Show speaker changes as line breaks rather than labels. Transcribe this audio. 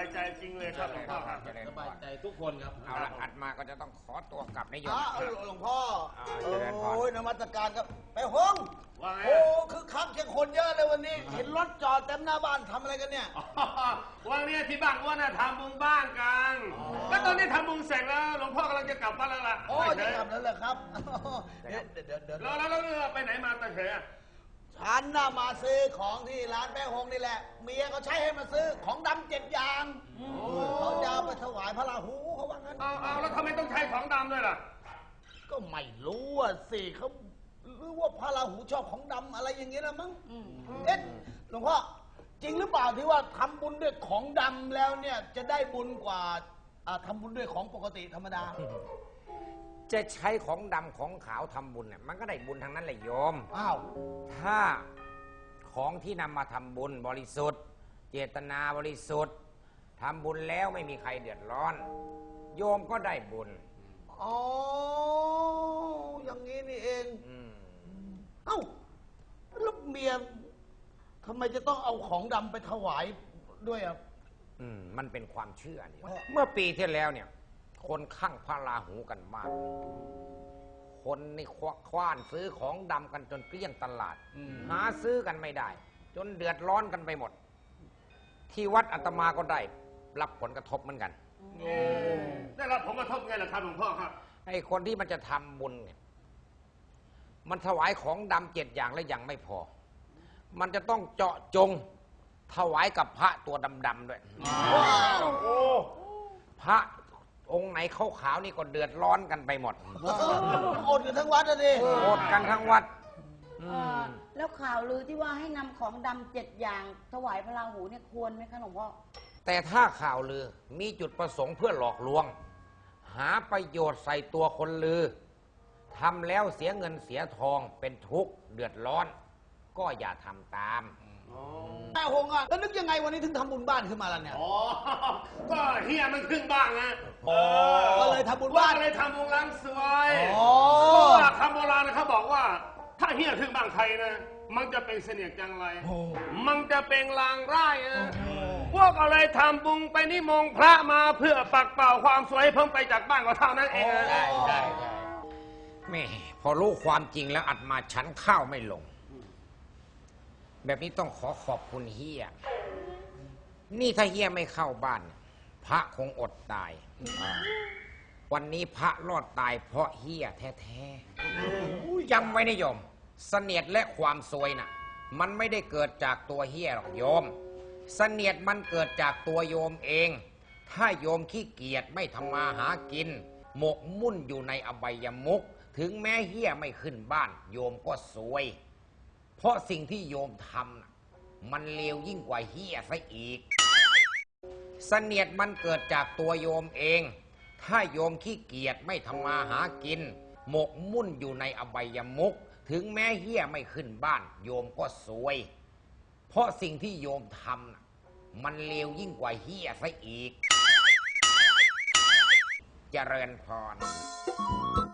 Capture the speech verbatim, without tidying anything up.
ใจจริงเลยครับหลวงพ่อครับ
สบายใจทุกคนครับ
เอาละอัดมาก็จะต้องขอตัวกลับนายโยม
หลวงพ่อโอ้ยนมัสการครับไปห้อง
ว่าไง
โอ้คือคักเชียงคนเยอะเลยวันนี้เห็นรถจอดเต็มหน้าบ้านทำอะไรกันเนี่ย
วันนี้ที่บ้านว่าน่ะทำบุญบ้านกันก็ตอนนี้ทำบุญเสร็จแล้วหลวงพ่อกำลังจะกลับบ้านแล้วล่ะ
โอ้จะกลับแล้วเหรอครับเดี๋ยวเดี๋ยวเดี๋ยว
แล้วแล้วแล้วไปไหนมาตะเฉย
ฉันน่ะมาซื้อของที่ร้านแป้งฮงนี่แหละเมียเขาใช้ให้มาซื้อของดำเจ็ดอย่างเขาจะเอาไปถวายพระราหูเขาว่างั้น
เอาเอาแล้วทำไมต้องใช้ของดำด้วยล่ะ
ก็ไม่รู้อ่ะสิเขาหรือว่าพระราหูชอบของดำอะไรอย่างเงี้ยนะมั้งเอ๊ะหลวงพ่อจริงหรือเปล่าที่ว่าทำบุญด้วยของดำแล้วเนี่ยจะได้บุญกว่าทำบุญด้วยของปกติธรรมดา
จะใช้ของดำของขาวทำบุญเนี่ยมันก็ได้บุญทั้งนั้นแหละโยม
อ้าว
ถ้าของที่นำมาทำบุญบริสุทธิ์เจตนาบริสุทธิ์ทำบุญแล้วไม่มีใครเดือดร้อนโยมก็ได้บุญ
อ๋ออย่างนี้นี่เองเอ้าแล้วเมียทำไมจะต้องเอาของดำไปถวายด้วยอ่ะ
อืมมันเป็นความเชื่อนี่เมื่อปีที่แล้วเนี่ยคนข้างพระราหูกันมากคนนี่คว้านซื้อของดำกันจนเกลี้ยงตลาดหาซื้อกันไม่ได้จนเดือดร้อนกันไปหมดที่วัดอาตมาก็ได้รับผลกระทบเหมือนกัน
ได้รับผลกระทบไงล่ะครับหลวงพ่อครับ
ไอ้คนที่มันจะทำบุญเนี่ยมันถวายของดำเจ็ดอย่างแล้วยังไม่พอมันจะต้องเจาะจงถวายกับพระตัวดำๆด้วยพระองค์ไหนขาวๆนี่ก็เดือดร้อนกันไปหมด
อดกันทั้งวัดเลย
อดกันทั้งวัด
แล้วข่าวลือที่ว่าให้นำของดำเจ็ดอย่างถวายพระราหูเนี่ยควรไหมคะหลวงพ่อ
แต่ถ้าข่าวลือมีจุดประสงค์เพื่อหลอกลวงหาประโยชน์ใส่ตัวคนลือทำแล้วเสียเงินเสียทองเป็นทุกข์เดือดร้อนก็อย่าทำตาม
แม่ฮงอ่ะแล้วนึกยังไงวันนี้ถึงทำบุญบ้านขึ้นมาล่ะเนี่ย
อ๋อก็เฮียมันขึ้นบ้านนะ
ก็เลยทำบุญบ้าน
เลยทำบุญล้างสวยเพราะคำโบราณนะเขาบอกว่าถ้าเฮียขึ้นบ้านใครนะมันจะเป็นเสนียดจังไรมันจะเป็นลางร้ายนะพวกอะไรทำบุญไปนิมนต์พระมาเพื่อปักเป่าความสวยเพิ่มไปจากบ้านก็เท่านั้นเอง
ใช่ใช่แม่พอรู้ความจริงแล้วอัดมาฉันข้าวไม่ลงแบบนี้ต้องขอขอบคุณเฮียนี่ถ้าเฮียไม่เข้าบ้านพระคงอดตายวันนี้พระรอดตายเพราะเฮียแท้ๆจำไว้นะโยมเสนียดและความซวยน่ะมันไม่ได้เกิดจากตัวเฮียหรอกโยมเสนียดมันเกิดจากตัวโยมเองถ้าโยมขี้เกียจไม่ทำมาหากินหมกมุ่นอยู่ในอบายมุขถึงแม้เฮียไม่ขึ้นบ้านโยมก็ซวยเพราะสิ่งที่โยมทำมันเลวยิ่งกว่าเฮียซะอีกเสนียดมันเกิดจากตัวโยมเองถ้าโยมขี้เกียจไม่ทำมาหากินหมกมุ่นอยู่ในอบายมุขถึงแม้เฮียไม่ขึ้นบ้านโยมก็ซวยเพราะสิ่งที่โยมทำมันเลวยิ่งกว่าเฮียซะอีกเจริญพร